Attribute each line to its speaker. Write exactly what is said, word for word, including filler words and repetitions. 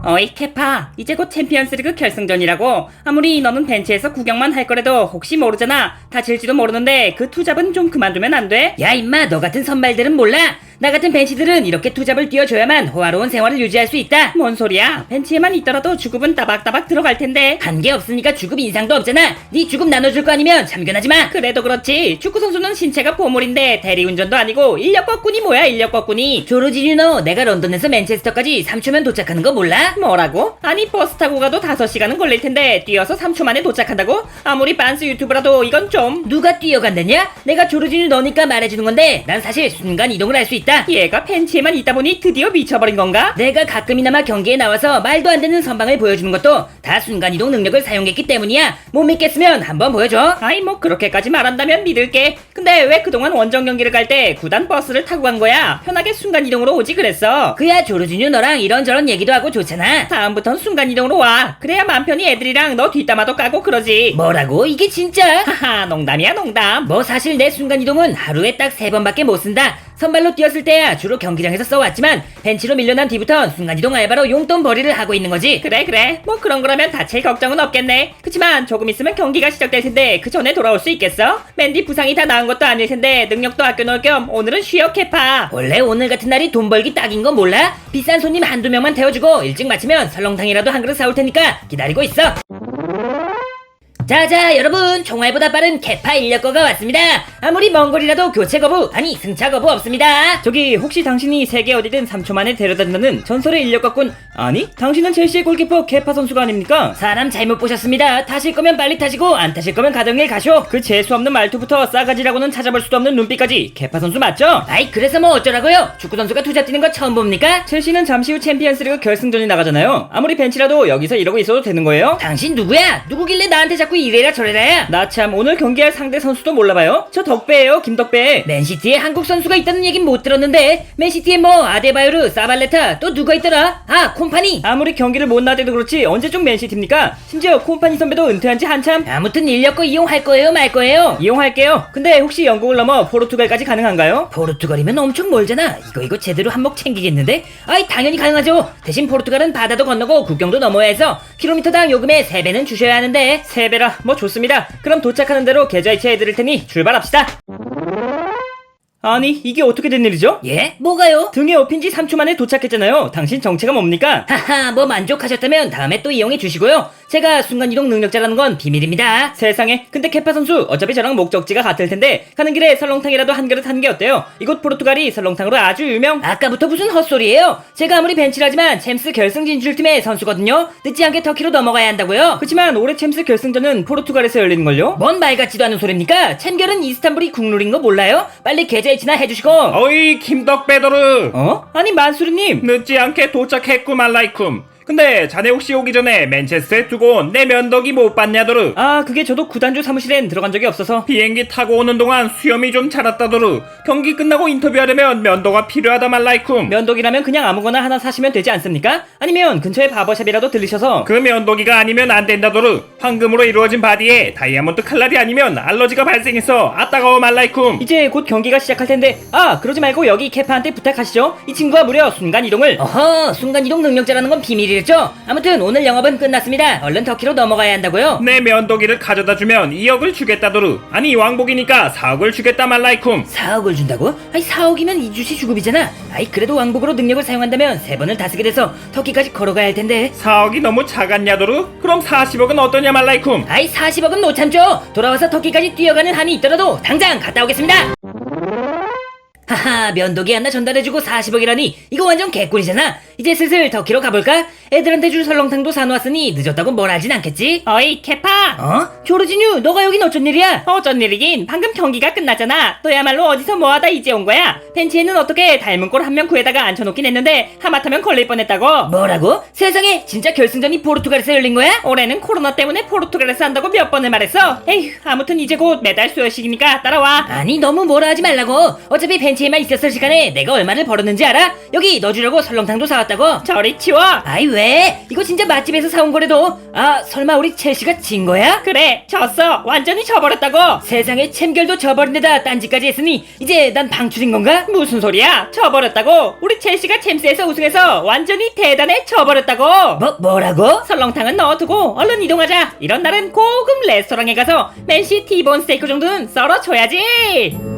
Speaker 1: 어이 케파, 이제 곧 챔피언스리그 결승전이라고. 아무리 너는 벤치에서 구경만 할 거라도 혹시 모르잖아. 다칠지도 모르는데 그 투잡은 좀 그만두면 안 돼? 야 임마, 너 같은 선발들은 몰라? 나 같은 벤치들은 이렇게 투잡을 뛰어줘야만 호화로운 생활을 유지할 수 있다. 뭔 소리야? 벤치에만 있더라도 주급은 따박따박 들어갈 텐데. 한게 없으니까 주급 인상도 없잖아. 네 주급 나눠줄 거 아니면 참견하지 마. 그래도 그렇지, 축구 선수는 신체가 보물인데 대리운전도 아니고 인력 거꾼이 뭐야, 인력 거꾼이. 조르지뉴, 너 내가 런던에서 맨체스터까지 삼 초면 도착하는 거 몰라? 뭐라고? 아니 버스 타고 가도 다섯 시간은 걸릴 텐데 뛰어서 삼 초 만에 도착한다고? 아무리 빤스 유튜브라도 이건 좀. 누가 뛰어간다냐? 내가 조르지뉴 너니까 말해주는 건데 난 사실 순간 이동을 할 수 있다. 얘가 벤치에만 있다 보니 드디어 미쳐버린 건가? 내가 가끔이나마 경기에 나와서 말도 안 되는 선방을 보여주는 것도 다 순간이동 능력을 사용했기 때문이야. 못 믿겠으면 한번 보여줘. 아이 뭐 그렇게까지 말한다면 믿을게. 근데 왜 그동안 원정 경기를 갈 때 구단 버스를 타고 간 거야? 편하게 순간이동으로 오지 그랬어. 그야 조르지뉴 너랑 이런저런 얘기도 하고 좋잖아. 다음부턴 순간이동으로 와. 그래야 맘 편히 애들이랑 너 뒷담화도 까고 그러지. 뭐라고? 이게 진짜? 하하, 농담이야 농담. 뭐 사실 내 순간이동은 하루에 딱 세 번밖에 못 쓴다. 선발로 뛰었을 때야 주로 경기장에서 써왔지만 벤치로 밀려난 뒤부턴 순간이동 알바로 용돈 벌이를 하고 있는 거지. 그래 그래, 뭐 그런 거라면 다칠 걱정은 없겠네. 그치만 조금 있으면 경기가 시작될 텐데 그 전에 돌아올 수 있겠어? 맨디 부상이 다 나은 것도 아닐 텐데 능력도 아껴놓을 겸 오늘은 쉬어 케파. 원래 오늘 같은 날이 돈 벌기 딱인 거 몰라? 비싼 손님 한두 명만 태워주고 일찍 마치면 설렁탕이라도 한 그릇 사올 테니까 기다리고 있어. 자자 여러분, 총알보다 빠른 케파 인력거가 왔습니다. 아무리 먼 거리라도 교체 거부, 아니 승차 거부 없습니다.
Speaker 2: 저기 혹시 당신이 세계 어디든 삼 초 만에 데려다준다는 전설의 인력거꾼, 아니 당신은 첼시의 골키퍼 케파 선수가 아닙니까?
Speaker 1: 사람 잘못 보셨습니다. 타실 거면 빨리 타시고 안 타실 거면 가정일 가쇼.
Speaker 2: 그 재수없는 말투부터 싸가지라고는 찾아볼 수도 없는 눈빛까지 케파 선수 맞죠?
Speaker 1: 아이 그래서 뭐 어쩌라고요? 축구 선수가 투자 뛰는 거 처음 봅니까?
Speaker 2: 첼시는 잠시 후 챔피언스리그 결승전이 나가잖아요. 아무리 벤치라도 여기서 이러고 있어도 되는 거예요?
Speaker 1: 당신 누구야? 누구길래 나한테 자꾸 이래라 저래라야?
Speaker 2: 나 참 오늘 경기할 상대 선수도 몰라봐요? 저 덕배예요, 김덕배.
Speaker 1: 맨시티에 한국 선수가 있다는 얘긴 못 들었는데. 맨시티에 뭐 아데바요르, 사발레타, 또 누가 있더라? 아 콤파니.
Speaker 2: 아무리 경기를 못 나대도 그렇지 언제 좀 맨시티입니까? 심지어 콤파니 선배도 은퇴한 지 한참.
Speaker 1: 아무튼 인력거 이용할 거예요 말 거예요?
Speaker 2: 이용할게요. 근데 혹시 영국을 넘어 포르투갈까지 가능한가요?
Speaker 1: 포르투갈이면 엄청 멀잖아. 이거 이거 제대로 한몫 챙기겠는데? 아이 당연히 가능하죠. 대신 포르투갈은 바다도 건너고 국경도 넘어야 해서 킬로미터당 요금의 세 배는 주셔야 하는데.
Speaker 2: 세 배라 뭐 좋습니다. 그럼 도착하는 대로 계좌이체 해드릴 테니 출발합시다. 아니 이게 어떻게 된 일이죠?
Speaker 1: 예? 뭐가요?
Speaker 2: 등에 업힌 지 삼 초 만에 도착했잖아요. 당신 정체가 뭡니까?
Speaker 1: 하하, 뭐 만족하셨다면 다음에 또 이용해 주시고요. 제가 순간이동 능력자라는 건 비밀입니다.
Speaker 2: 세상에, 근데 케파 선수 어차피 저랑 목적지가 같을 텐데 가는 길에 설렁탕이라도 한 그릇 하는 게 어때요? 이곳 포르투갈이 설렁탕으로 아주 유명.
Speaker 1: 아까부터 무슨 헛소리예요? 제가 아무리 벤치라지만 챔스 결승 진출팀의 선수거든요. 늦지 않게 터키로 넘어가야 한다고요?
Speaker 2: 그치만 올해 챔스 결승전은 포르투갈에서 열리는걸요?
Speaker 1: 뭔 말 같지도 않은 소리입니까? 챔결은 이스탄불이 국룰인 거 몰라요? 빨리 계좌이체나 해주시고.
Speaker 3: 어이 김덕배더르,
Speaker 2: 어? 아니 만수리님.
Speaker 3: 늦지 않게 도착했구 말라이쿰. 근데 자네 혹시 오기 전에 맨체스터에 두고 온 내 면도기 못 봤냐더르?
Speaker 2: 아 그게 저도 구단주 사무실엔 들어간 적이 없어서.
Speaker 3: 비행기 타고 오는 동안 수염이 좀 자랐다더르. 경기 끝나고 인터뷰하려면 면도가 필요하다 말라이쿰.
Speaker 2: 면도기라면 그냥 아무거나 하나 사시면 되지 않습니까? 아니면 근처에 바버샵이라도 들리셔서.
Speaker 3: 그 면도기가 아니면 안 된다더르. 황금으로 이루어진 바디에 다이아몬드 칼날이 아니면 알러지가 발생해서 아 따가워 말라이쿰.
Speaker 2: 이제 곧 경기가 시작할 텐데, 아 그러지 말고 여기 케파한테 부탁하시죠. 이 친구가 무려 순간이동을.
Speaker 1: 어허, 순간이동 능력자라는 건 비밀이랬죠? 아무튼 오늘 영업은 끝났습니다. 얼른 터키로 넘어가야 한다고요?
Speaker 3: 내 면도기를 가져다 주면 이억을 주겠다더르. 아니 왕복이니까 사억을 주겠다 말라이쿰.
Speaker 1: 사억을 준다고? 아니 사억이면 이주시 주급이잖아. 아이 그래도 왕복으로 능력을 사용한다면 세 번을 다쓰게 돼서 터키까지 걸어가야 할 텐데.
Speaker 3: 사억이 너무 작았냐더르? 그럼 사십억은 어떠냐 말라이쿰.
Speaker 1: 아이 사십억은 못 참죠. 돌아와서 터키까지 뛰어가는 한이 있더라도 당장 갔다 오겠습니다. 하하, 면도기 하나 전달해주고 사십억이라니 이거 완전 개꿀이잖아. 이제 슬슬 터키로 가볼까? 애들한테 줄 설렁탕도 사놓았으니 늦었다고 뭘 하진 않겠지?
Speaker 2: 어이 케파.
Speaker 1: 어? 조르지뉴, 너가 여긴 어쩐 일이야?
Speaker 2: 어쩐 일이긴, 방금 경기가 끝났잖아. 너야말로 어디서 뭐하다 이제 온 거야? 벤치에는 어떻게 닮은 꼴 한 명 구해다가 앉혀놓긴 했는데 하마터면 걸릴 뻔했다고.
Speaker 1: 뭐라고? 세상에, 진짜 결승전이 포르투갈에서 열린 거야?
Speaker 2: 올해는 코로나 때문에 포르투갈에서 한다고 몇 번을 말했어. 에휴, 아무튼 이제 곧 메달 수여식이니까 따라와.
Speaker 1: 아니 너무 뭐라 하지 말라고. 어차피 벤치에만 있었을 시간에 내가 얼마를 벌었는지 알아? 여기 너 주려고 설렁탕도 사왔다고.
Speaker 2: 저리 치워.
Speaker 1: 아이 왜? 왜? 이거 진짜 맛집에서 사온 거래도. 아, 설마 우리 첼시가 진 거야?
Speaker 2: 그래, 졌어. 완전히 져버렸다고.
Speaker 1: 세상에 챔결도 져버린 데다 딴지까지 했으니 이제 난 방출인 건가?
Speaker 2: 무슨 소리야? 져버렸다고. 우리 첼시가 챔스에서 우승해서 완전히 대단해 져버렸다고.
Speaker 1: 뭐, 뭐라고?
Speaker 2: 설렁탕은 넣어두고 얼른 이동하자. 이런 날은 고급 레스토랑에 가서 맨시 티본 스테이크 정도는 썰어줘야지.